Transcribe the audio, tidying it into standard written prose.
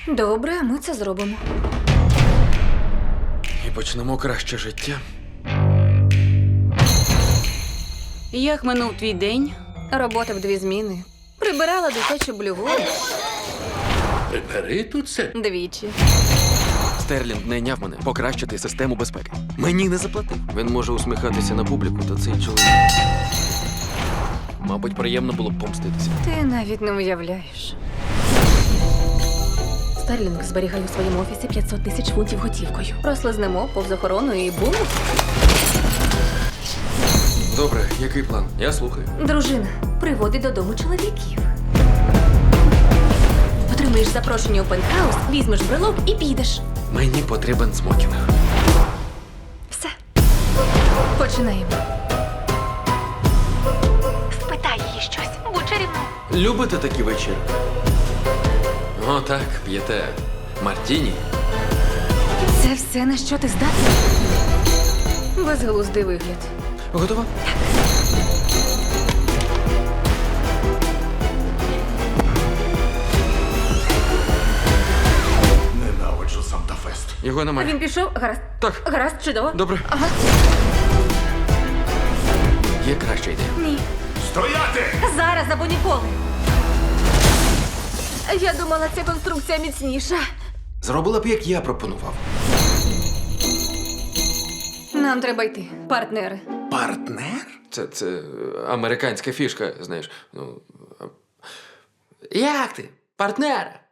Добре, ми це зробимо. І почнемо краще життя. Як минув твій день? Робота в 2 зміни. Прибирала дитячу блюву Прибери тут це. двічі. Стерлінг найняв мене покращити систему безпеки. Мені не заплатив. Він може усміхатися на публіку, та цей чоловік. Мабуть, приємно було б помститися. Ти навіть не уявляєш. Стерлінг зберігає у своєму офісі 500 тисяч фунтів готівкою. Прослизнемо повз охорону і бум. Добре, який план? Я слухаю. Дружина приводить додому чоловіків. Отримаєш запрошення у пентхаус, візьмеш брелок і підеш. Мені потрібен смокінг. Все. Починаємо. Спитай її щось. Будь чарівною. Любите такі вечір? О, так, п'єте мартіні. Це все, на що ти здатний? Безглуздий вигляд. Готова? Ненавиджу Санта-Фест. Його А немає. він пішов? Гаразд. Так. Гаразд, чудово. Добре. Ага. Є краща ідея. Ні. Стояти! Зараз або ніколи. Я думала, ця конструкція міцніша. Зробила б, як я пропонував. Нам треба йти, партнери. Партнер? Це американська фішка, знаєш. Ну. Як ти? Партнер?